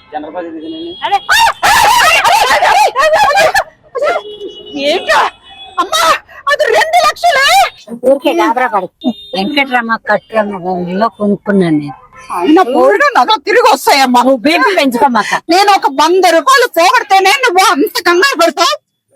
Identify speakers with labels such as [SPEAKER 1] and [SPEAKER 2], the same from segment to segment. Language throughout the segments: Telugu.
[SPEAKER 1] ఏంటా అమ్మా అది 2 లక్షలే.
[SPEAKER 2] ఊరికే గాబరా పడు. వెంకటరమ్మ కట్టులో కొనుక్కున్నాను నేను.
[SPEAKER 1] అయినా పోయిన నగలు తిరిగి వస్తాయమ్మా.
[SPEAKER 2] నువ్వు బీపీ పెంచుకోమాక.
[SPEAKER 1] నేను ఒక 100 రూపాయలు పోగొడితేనే నువ్వు అంత కంగారు పడతావు.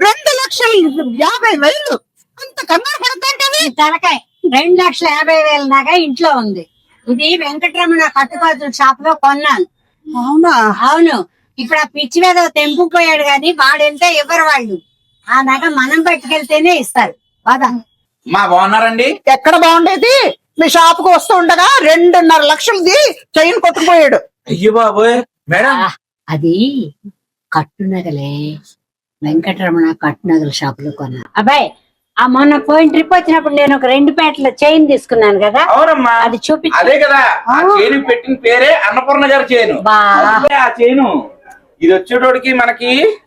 [SPEAKER 1] 2,50,000 అంత కంగారు పడతాంటవి.
[SPEAKER 2] తలకాయ 2,50,000 నగ ఇంట్లో ఉంది. ఇది వెంకటరమణ కట్టుకోతుల షాప్ లో కొన్నాను.
[SPEAKER 1] అవునా?
[SPEAKER 2] అవును. ఇప్పుడు ఆ పిచ్చి మీద తెంపుకుపోయాడు గాని వాడెంత ఇవ్వరు వాళ్ళు. ఆ నగ మనం పట్టుకెళ్తేనే ఇస్తారు. బాగా
[SPEAKER 3] మా బాగున్నారండి.
[SPEAKER 1] ఎక్కడ బాగుండేది? మీ షాప్ కు వస్తూ ఉండగా 2.5 లక్షలది చైన్ కొట్టుకుపోయాడు.
[SPEAKER 3] అయ్యో బాబోయ్ మేడం.
[SPEAKER 2] అది కట్టు నగలే. వెంకటరమణ కట్టు నగల షాప్ లో కొన్నా. అబ్బాయి ఆ మొన్న పోయిన ట్రిప్ వచ్చినప్పుడు నేను ఒక 2 పేటల చైన్ తీసుకున్నాను కదా.
[SPEAKER 3] అవునమ్మా,
[SPEAKER 2] అది చూపి.
[SPEAKER 3] అదే కదా ఆ చైన్ పెట్టిన పేరే అన్నపూర్ణ గారి చైను. ఆ చైను ఇది వచ్చేటోడికి మనకి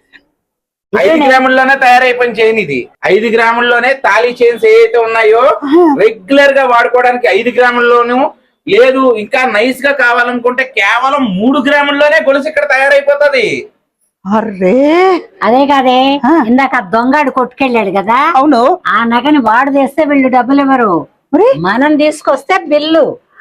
[SPEAKER 3] 5 గ్రాముల్లోనే తయారైపోయిన చైన్. ఇది 5 గ్రాముల్లోనే తాళీ చైన్స్ ఏవైతే ఉన్నాయో రెగ్యులర్ గా వాడుకోవడానికి 5 గ్రాముల్లోనూ లేదు. ఇంకా నైస్ గా కావాలనుకుంటే కేవలం 3 గ్రాముల్లోనే గొలుసు ఇక్కడ తయారైపోతుంది.
[SPEAKER 1] అర్రే
[SPEAKER 2] అదే కాదే ఇందాక దొంగడు కొట్టుకెళ్ళాడు కదా.
[SPEAKER 1] అవును.
[SPEAKER 2] ఆ నగని వాడు తెస్తే వీళ్ళు డబ్బులు ఇవ్వరు. మనం తీసుకొస్తే బిల్లు.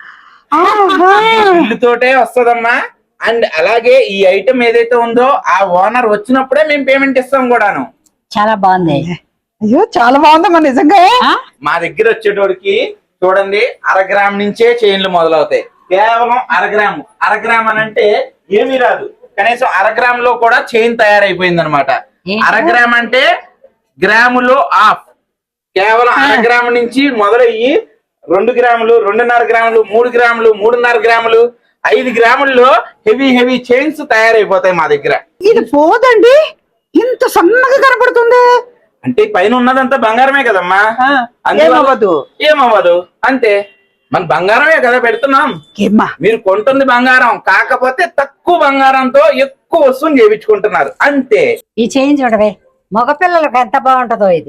[SPEAKER 3] బిల్లుతోటే వస్తదమ్మా. అండ్ అలాగే ఈ ఐటమ్ ఏదైతే ఉందో ఆ ఓనర్ వచ్చినప్పుడే మేము పేమెంట్ ఇస్తాం కూడాను.
[SPEAKER 2] చాలా బాగుంది.
[SPEAKER 1] అయ్యో చాలా బాగుందమ్మా నిజంగా.
[SPEAKER 3] మా దగ్గర వచ్చేటోడికి చూడండి 1/2 గ్రామ్ నుంచే చైన్లు మొదలవుతాయి. కేవలం 1/2 గ్రాము. 1/2 గ్రామ్ అని అంటే ఏమీ రాదు, కనీసం 1/2 గ్రామ్ లో కూడా చైన్ తయారైపోయింది అనమాట. 1/2 గ్రామ్ అంటే గ్రాములో ఆఫ్. కేవలం 1/2 గ్రాము నుంచి మొదలయ్యి 2 గ్రాములు, 2.5 గ్రాములు, 3 గ్రాములు, 3.5 గ్రాములు, 5 గ్రాముల్లో హెవీ చైన్స్ తయారైపోతాయి మా దగ్గర.
[SPEAKER 1] ఇది పోదండి, ఇంత సన్నగా కనపడుతుంది.
[SPEAKER 3] అంటే పైన ఉన్నదంతా బంగారమే కదమ్మా. ఏమవ్వదు అంతే. మన బంగారమే కదా పెడుతున్నాం. మీరు కొంటుంది బంగారం, కాకపోతే తక్కువ బంగారంతో ఎక్కువ వస్తువుని చేయించుకుంటున్నారు అంతే.
[SPEAKER 2] ఈ చైన్ చూడవే, మగపిల్లలకు ఎంత బాగుంటదో ఇది.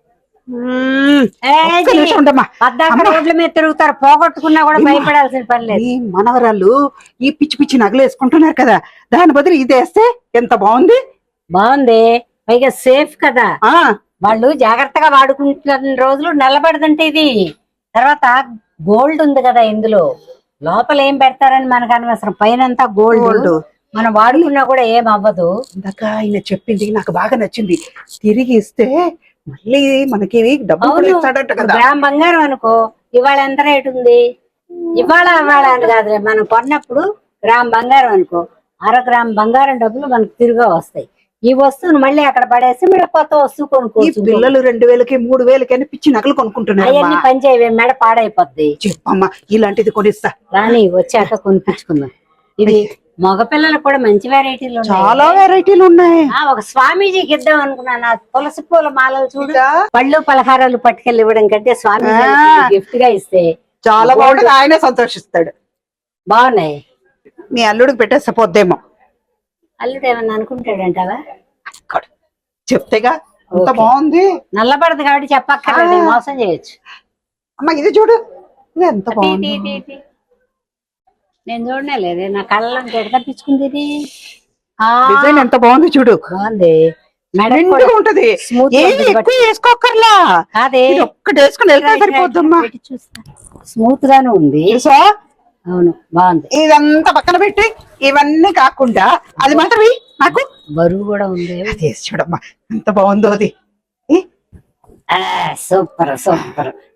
[SPEAKER 2] రోడ్ల మీద తిరుగుతారు, పోగొట్టుకున్నా కూడా భయపడాల్సిన పని లేదు.
[SPEAKER 1] మనవరాళ్ళు ఈ పిచ్చి పిచ్చి నగలు వేసుకుంటున్నారు కదా, దాని బదులు ఇది వేస్తే ఎంత బాగుంది.
[SPEAKER 2] బాగుంది, పైగా సేఫ్ కదా. వాళ్ళు జాగ్రత్తగా వాడుకుంటున్న రోజులు నిలబడదంటే ఇది. తర్వాత గోల్డ్ ఉంది కదా ఇందులో, లోపల ఏం పెడతారని మనకు అనవసరం. పైనంతా గోల్డ్, మనం వాడుకున్నా కూడా ఏం అవ్వదు.
[SPEAKER 1] ఇందాక ఆయన చెప్పింది నాకు బాగా నచ్చింది. తిరిగి ఇస్తే మళ్ళీ మనకి డబ్బులు ఇస్తాడట కదా.
[SPEAKER 2] గ్రామ్ బంగారం అనుకో, ఇవాళ ఎంత రేటు ఉంది? ఇవాళ అని కాదు, మనం కొన్నప్పుడు గ్రామ్ బంగారం అనుకో, 1/2 గ్రామ్ బంగారం డబ్బులు మనకు తిరిగా వస్తాయి. ఈ వస్తువును మళ్ళీ అక్కడ పడేసి మీరు కొత్త వస్తువు కొనుక్కోవచ్చు.
[SPEAKER 1] పిల్లలు 2,000కి 3,000కి అని పిచ్చి నగలు కొనుక్కుంటున్నారు.
[SPEAKER 2] అవన్నీ పనిచేయవే, మెడ పాడైపోద్ది.
[SPEAKER 1] చెప్పమ్మా ఇలాంటిది కొనిస్తా.
[SPEAKER 2] రాని వచ్చాక కొనిపించుకుందాం. ఇది మగపిల్లలు కూడా మంచి వెరైటీలు,
[SPEAKER 1] చాలా వెరైటీలు ఉన్నాయి.
[SPEAKER 2] ఒక స్వామీజీకి ఇద్దాం అనుకున్నాను. తులసి పూల మాలలు చూడు, పళ్ళు పలహారాలు పట్టుకెళ్ళి ఇవ్వడం కంటే స్వామీజీ గిఫ్ట్ గా ఇస్తే
[SPEAKER 1] చాలా బాగుంటుంది. ఆయనే సంతోషిస్తాడు.
[SPEAKER 2] బాగున్నాయి.
[SPEAKER 1] మీ అల్లుడికి పెట్టేస్తే పోద్దేమో.
[SPEAKER 2] అల్లుడు ఏమన్నా అనుకుంటాడంటావా?
[SPEAKER 1] చెప్తేగా అంత బాగుంది.
[SPEAKER 2] నల్లబడదు కాబట్టి చెప్పక్కర్లేదు, మోసం చేయొచ్చు.
[SPEAKER 1] అమ్మ ఇది చూడు, ఇది ఎంత బాగుంది.
[SPEAKER 2] నేను చూడనే లేదే, నా కళ్ళని తప్పించుకుంది. ఇది
[SPEAKER 1] డిజైన్ ఎంత బాగుంది చూడు.
[SPEAKER 2] బాగుంది,
[SPEAKER 1] ఉంటది. ఎక్కువ వేసుకోకర్లా, ఒక్కటి వేసుకుని వెళ్తే సరిపోద్దమ్మా.
[SPEAKER 2] స్మూత్ గానే ఉంది. అవును బాగుంది.
[SPEAKER 1] ఇదంతా పక్కన పెట్టి ఇవన్నీ కాకుండా అది మాత్రం నాకు
[SPEAKER 2] బరువు కూడా ఉంది.
[SPEAKER 1] అది చూడమ్మా ఎంత బాగుందో అది.
[SPEAKER 2] సూపర్.